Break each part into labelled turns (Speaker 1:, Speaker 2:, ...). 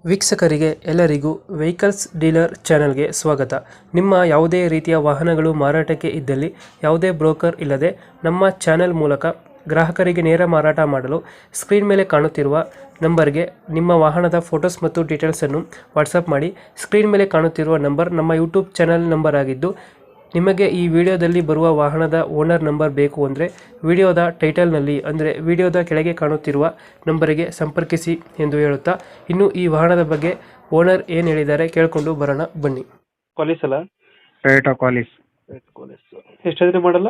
Speaker 1: ವೀಕ್ಷಕರಿಗೆ ಎಲ್ಲರಿಗೂ vehicles dealer ಚಾನೆಲ್ಗೆ ಸ್ವಾಗತ. ನಿಮ್ಮ ಯಾವುದೇ ರೀತಿಯ ವಾಹನಗಳು ಮಾರಾಟಕ್ಕೆ ಇದ್ದಲ್ಲಿ ಯಾವುದೇ ಬ್ರೋಕರ್ ಇಲ್ಲದೆ ನಮ್ಮ ಚಾನೆಲ್ ಮೂಲಕ ಗ್ರಾಹಕರಿಗೆ ನೇರ ಮಾರಾಟ ಮಾಡಲು ಸ್ಕ್ರೀನ್ ಮೇಲೆ ಕಾಣುತ್ತಿರುವ ನಂಬರ್ಗೆ ನಿಮ್ಮ ವಾಹನದ ಫೋಟೋಸ್ ಮತ್ತು ಡೀಟೇಲ್ಸನ್ನು ವಾಟ್ಸಪ್ ಮಾಡಿ. ಸ್ಕ್ರೀನ್ ಮೇಲೆ ಕಾಣುತ್ತಿರುವ ನಂಬರ್ ನಮ್ಮ ಯೂಟ್ಯೂಬ್ ಚಾನೆಲ್ ನಂಬರ್ ಆಗಿದ್ದು, ನಿಮಗೆ ಈ ವಿಡಿಯೋದಲ್ಲಿ ಬರುವ ವಾಹನದ ಓನರ್ ನಂಬರ್ ಬೇಕು ಅಂದರೆ ವಿಡಿಯೋದ ಟೈಟಲ್ನಲ್ಲಿ ಅಂದರೆ ವಿಡಿಯೋದ ಕೆಳಗೆ ಕಾಣುತ್ತಿರುವ ನಂಬರಿಗೆ ಸಂಪರ್ಕಿಸಿ ಎಂದು ಹೇಳುತ್ತಾ, ಇನ್ನು ಈ ವಾಹನದ ಬಗ್ಗೆ ಓನರ್ ಏನು ಹೇಳಿದ್ದಾರೆ ಕೇಳಿಕೊಂಡು ಬರೋಣ ಬನ್ನಿ. ಕಾಲೇಜ್ ಅಲ್ಲ,
Speaker 2: ಟೊಯೋಟಾ ಕಾಲಿಸ್
Speaker 1: ಎಷ್ಟಾದ್ರೆ ಮಾಡಲ್ಲ?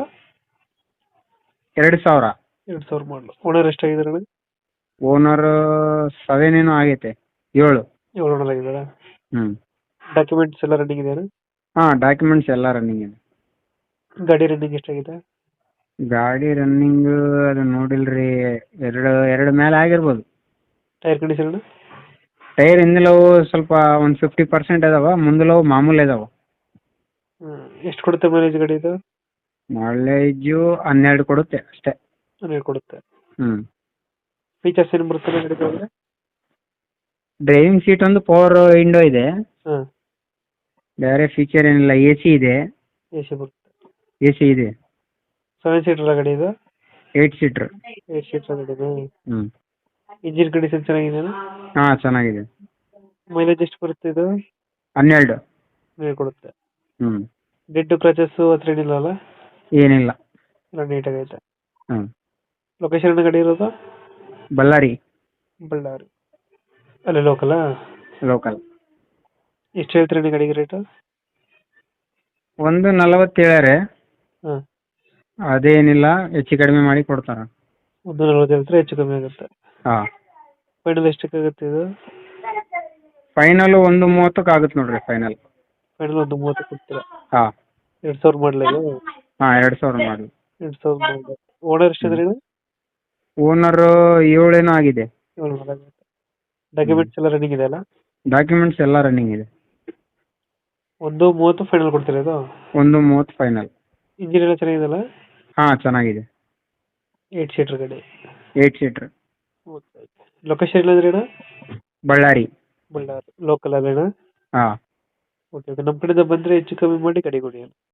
Speaker 2: 2000.
Speaker 1: 2000 ಮಾಡಲು. ಓನರ್ ಎಷ್ಟಾಗಿದ್ದಾರೆ?
Speaker 2: ಓನರ್ 7 ಏನೋ ಆಗೈತೆ, 7.
Speaker 1: 7 ಓನರ್ ಆಗಿದ್ದಾರೆ.
Speaker 2: ಹ್ಮ್.
Speaker 1: ಡಾಕ್ಯುಮೆಂಟ್ಸ್ ಎಲ್ಲ ರನ್ನಿಂಗ್ ಇದೆಯಾ?
Speaker 2: ಡಾಕ್ಯುಮೆಂಟ್ಸ್ ಎಲ್ಲ ರನ್ನಿಂಗ್ ಇದೆ.
Speaker 1: ಗಾಡಿ ರನ್ನಿಂಗ್ ಎಷ್ಟಾಗಿದೆ?
Speaker 2: ಗಾಡಿ ರನ್ನಿಂಗ್ ಅದು ನೋಡಿಲ್ರಿ, ಎರಡು ಮೇಲೆ ಆಗಿರ್ಬೋದು.
Speaker 1: Tyre condition?
Speaker 2: ಟೈರ್ ಹಿಂದಿಲವು ಸ್ವಲ್ಪ ಒಂದು 50% ಅದಾವ, ಮುಂದಲವು ಮಾಮೂಲಿ ಅದಾವ.
Speaker 1: ಎಷ್ಟು ಕೊಡುತ್ತೆ ಮೈಲೇಜ್ ಗಾಡಿ ಇದು?
Speaker 2: ಮೈಲೇಜು 12 ಕೊಡುತ್ತೆ ಅಷ್ಟೇ.
Speaker 1: 12 ಕೊಡುತ್ತೆ.
Speaker 2: ಹ್ಮ್.
Speaker 1: ಫೀಚರ್ಸ್ ಏನು ಬರುತ್ತೆ ಗಾಡಿ ಒಳಗೆ?
Speaker 2: ಡ್ರೈವಿಂಗ್ ಸೀಟ್ ಒಂದು ಪವರ್ ವಿಂಡೋ ಇದೆ,
Speaker 1: ಹಾಂ.
Speaker 2: ಬೇರೆ ಫೀಚರ್ ಏನಿಲ್ಲ. AC ಇದೆ.
Speaker 1: AC ಬರುತ್ತೆ.
Speaker 2: AC ಇದೆ.
Speaker 1: 7 ಸೀಟರ್ ಗಾಡಿ ಇದು?
Speaker 2: 8 ಸೀಟರ್.
Speaker 1: 8 ಸೀಟರ್ ಗಾಡಿ.
Speaker 2: ಹ್ಮ್.
Speaker 1: ಇಂಜಿನ್ ಕಂಡೀಷನ್ ಚೆನ್ನಾಗಿದೆಯಾ?
Speaker 2: ಚೆನ್ನಾಗಿದೆ.
Speaker 1: ಮೈಲೇಜ್ ಎಷ್ಟು ಬರುತ್ತೆ ಇದು?
Speaker 2: 12.
Speaker 1: 12 ಕೊಡುತ್ತೆ.
Speaker 2: ಹ್ಮ್.
Speaker 1: ಡೆಡ್ ಕ್ರಚಸ್ ಹತ್ರ ಏನಿಲ್ಲ ಅಲ್ಲ?
Speaker 2: ಏನಿಲ್ಲ.
Speaker 1: ಎಲ್ಲ ನೀಟಾಗೈತೆ.
Speaker 2: ಹ್ಮ್.
Speaker 1: ಲೊಕೇಶನ್ ಗಾಡಿ ಇರೋದು?
Speaker 2: ಬಳ್ಳಾರಿ.
Speaker 1: ಬಳ್ಳಾರಿ ಅಲ್ಲೇ ಲೋಕಲಾ?
Speaker 2: ಲೋಕಲ್.
Speaker 1: ಎಷ್ಟು ಹೇಳ್ತೀರಿ ಗಾಡಿಗೆ ರೇಟು?
Speaker 2: 140 ಹೇಳ್ಯಾರೆ.
Speaker 1: ಹಾಂ.
Speaker 2: ಅದೇನಿಲ್ಲ, ಹೆಚ್ಚು ಕಡಿಮೆ ಮಾಡಿ ಕೊಡ್ತಾರ.
Speaker 1: 140 ಹೇಳ್ತಾರೆ, ಹೆಚ್ಚು ಕಮ್ಮಿ ಆಗುತ್ತೆ.
Speaker 2: ಹಾಂ.
Speaker 1: ಫೈನಲ್ ಎಷ್ಟಕ್ಕಾಗುತ್ತೆ ಇದು?
Speaker 2: ಫೈನಲ್ 130 ಆಗುತ್ತೆ ನೋಡ್ರಿ. ಫೈನಲ್
Speaker 1: ಫೈನಲ್ 130 ಕೊಡ್ತೀರಾ?
Speaker 2: ಹಾಂ.
Speaker 1: 2000 ಮಾಡಲ ಇದು?
Speaker 2: ಹಾಂ, 2000 ಮಾಡಿ.
Speaker 1: 2000 ಮಾಡಲ. ಓನರ್ ಎಷ್ಟಿದ್ರೆ ಇದು?
Speaker 2: ಓನರ್ 7 ಏನೋ ಆಗಿದೆ.
Speaker 1: 7 ಆಗುತ್ತೆ. ಡಾಕ್ಯುಮೆಂಟ್ಸ್ ಎಲ್ಲ ರನ್ನಿಂಗ್ ಇದೆ ಅಲ್ಲ?
Speaker 2: ಡಾಕ್ಯುಮೆಂಟ್ಸ್ ಎಲ್ಲ ರನ್ನಿಂಗ್ ಇದೆ.
Speaker 1: 130 ಫೈನಲ್ ಕೊಡ್ತೀರಾ ಇದು?
Speaker 2: 130 ಫೈನಲ್.
Speaker 1: ಇಂಜಿನ್ ಎಲ್ಲ ಚೆನ್ನಾಗಿದೆಯಲ್ಲ?
Speaker 2: ಹಾಂ, ಚೆನ್ನಾಗಿದೆ.
Speaker 1: 8 ಸೀಟರ್ ಗಾಡಿ.
Speaker 2: 8 ಸೀಟರ್.
Speaker 1: ಲೊಕೇಶನ್ ಇಲ್ಲಂದ್ರೆ ಅಣ್ಣ?
Speaker 2: ಬಳ್ಳಾರಿ.
Speaker 1: ಬಳ್ಳಾರಿ ಲೋಕಲ್ ಅಲ್ಲೇನಾ?
Speaker 2: ಹಾಂ.
Speaker 1: Okay okay. ನಮ್ಮ ಕಡೆಯಿಂದ ಬಂದರೆ ಹೆಚ್ಚು ಕಮ್ಮಿ ಮಾಡಿ ಗಾಡಿ ಕೊಡಿ.